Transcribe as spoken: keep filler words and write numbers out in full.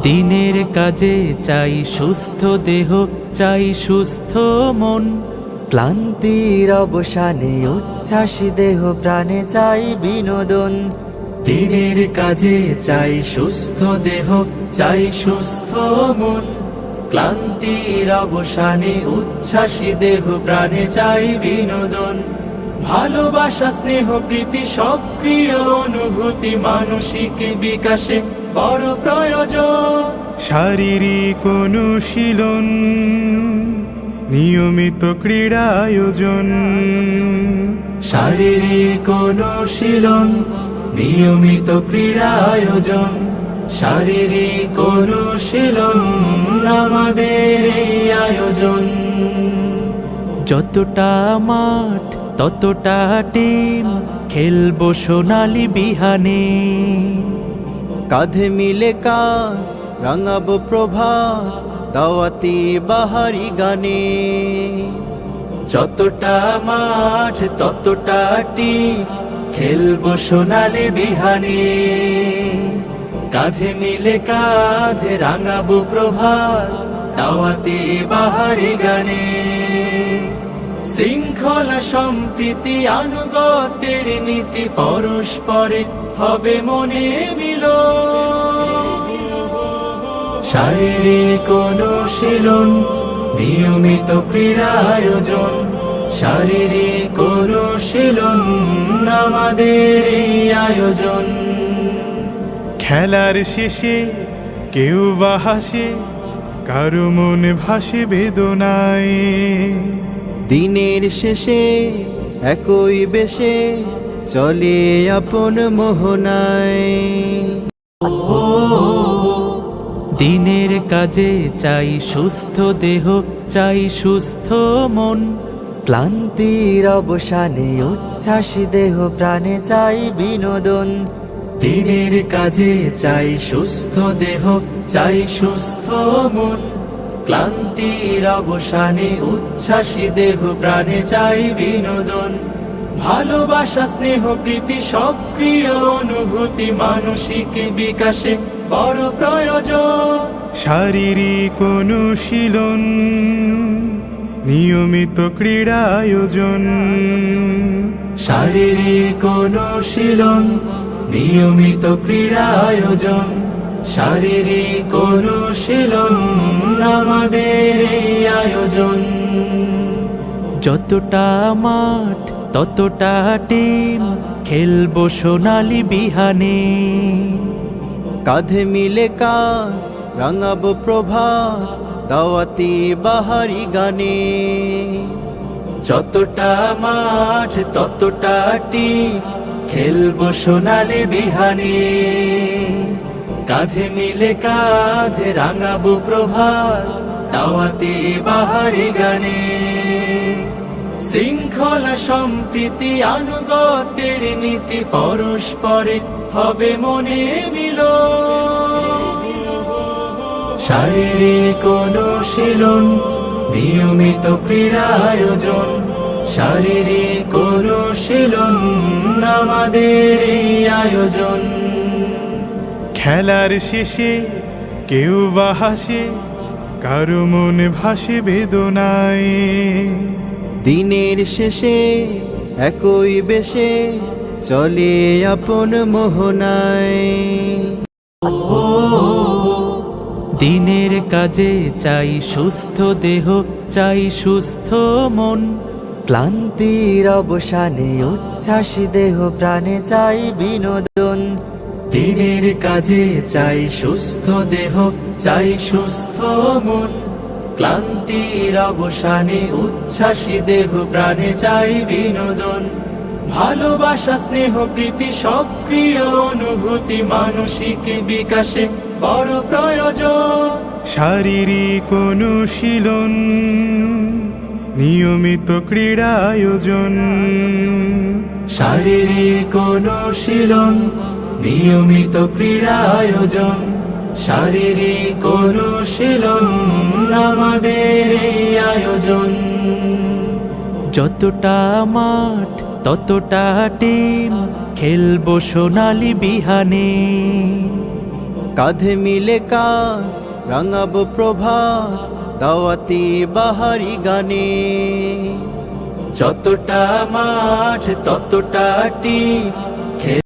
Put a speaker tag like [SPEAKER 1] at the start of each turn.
[SPEAKER 1] দিনের কাজে চাই সুস্থ দেহ, চাই সুস্থ মন।
[SPEAKER 2] ক্লান্তির অবসানে উচ্ছ্বাসী দেহ প্রাণে চাই বিনোদন।
[SPEAKER 3] দিনের কাজে চাই সুস্থ দেহ, চাই সুস্থ মন। ক্লান্তির অবসানে উচ্ছ্বাসী দেহ প্রাণে চাই বিনোদন। ভালোবাসা, স্নেহ, প্রীতি, সক্রিয় অনুভূতি মানসিক বিকাশে বড় প্রয়োজন।
[SPEAKER 4] শারীরিক অনুশীলন, নিয়মিত ক্রীড়া আয়োজন।
[SPEAKER 3] শারীরিক অনুশীলন, নিয়মিত ক্রীড়া আয়োজন। শারীরিক অনুশীলন আমাদের এই আয়োজন।
[SPEAKER 1] যতটা মাঠ ততটা টিম, খেলবো সোনালি বিহানে।
[SPEAKER 2] কাঁধে মিলে কাঁধ রাঙাবো প্রভাত, দাওয়াতি বাহারি গানে।
[SPEAKER 3] যতটা মাঠ ততটা টিম, খেলবো সোনালি বিহানে। কাঁধে মিলে কাঁধ রাঙাবো প্রভাত, দাওয়াতি বাহারি গানে। শৃঙ্খলা, সম্প্রীতি, আনুগত্যের নীতি পরস্পরে হবে মনে মিল। শারীরিক অনুশীলন, নিয়মিত ক্রীড়া আয়োজন। শারীরিক অনুশীলন আমাদের এই আয়োজন।
[SPEAKER 4] খেলার শেষে কেউ বা হাসে, কারো মনে ভাসে বেদনায়।
[SPEAKER 2] দিনের শেষে একই বেশে চলে আপন মোহনায়।
[SPEAKER 1] দিনের কাজে চাই সুস্থ দেহ, চাই সুস্থ মন।
[SPEAKER 2] ক্লান্তির অবসানে উচ্ছ্বাসী দেহ প্রাণে চাই বিনোদন।
[SPEAKER 3] দিনের কাজে চাই সুস্থ দেহ, চাই সুস্থ মন। ক্লান্তির অবসানে উচ্ছ্বাসী দেহ প্রাণে চাই বিনোদন। ভালোবাসা, স্নেহ, প্রীতি, সক্রিয় অনুভূতি মানসিক বিকাশে বড় প্রয়োজন।
[SPEAKER 4] শারীরিক অনুশীলন, নিয়মিত ক্রীড়া আয়োজন।
[SPEAKER 3] শারীরিক অনুশীলন, নিয়মিত ক্রীড়া আয়োজন। শারীরিক অনুশীলন আমাদের এই আয়োজন।
[SPEAKER 1] যতটা মাঠ ততটা টিম, খেলবো সোনালি বিহানে।
[SPEAKER 2] কাঁধে মিলে কাঁধ রাঙাবো প্রভাত, দাওয়াতি বাহারি গানে।
[SPEAKER 3] যতটা মাঠ ততটা টিম, খেলবো সোনালি বিহানে। কাঁধে মিলে কাঁধ রাঙাবো প্রভাত, দাওয়াতি বাহারি গানে। শৃঙ্খলা, সম্প্রীতি, আনুগত্যের নীতি পরস্পরে হবে মনে মিল। শারীরিক অনুশীলন, নিয়মিত ক্রীড়া আয়োজন। শারীরিক অনুশীলন আমাদের এই আয়োজন।
[SPEAKER 4] খেলার শেষে কেউ বা হাসে, কারো মনে ভাসে বেদনায়।
[SPEAKER 2] দিনের শেষে একই বেশে চলে আপন মোহনায়।
[SPEAKER 1] দিনের কাজে চাই সুস্থ দেহ, চাই সুস্থ মন।
[SPEAKER 2] ক্লান্তির অবসানে উচ্ছ্বাসী দেহ প্রাণে চাই বিনোদন।
[SPEAKER 3] দিনের কাজে চাই সুস্থ দেহ, চাই সুস্থ মন। ক্লান্তির অবসানে উচ্ছ্বাসী দেহ প্রাণে চাই বিনোদন। ভালোবাসা, স্নেহ, প্রীতি, সক্রিয় অনুভূতি মানসিক বিকাশে বড় প্রয়োজন।
[SPEAKER 4] শারীরিক অনুশীলন, নিয়মিত ক্রীড়া আয়োজন।
[SPEAKER 3] শারীরিক অনুশীলন, নিয়মিত ক্রীড়া আয়োজন। শারীরিক অনুশীলন আমাদের এই আয়োজন।
[SPEAKER 1] যতটা মাঠ ততটা টিম, খেলবো সোনালি বিহানে।
[SPEAKER 2] কাঁধে মিলে কাঁধ রাঙাবো প্রভাত দাওয়াতি বাহারি গানে।
[SPEAKER 3] যতটা মাঠ ততটা টিপ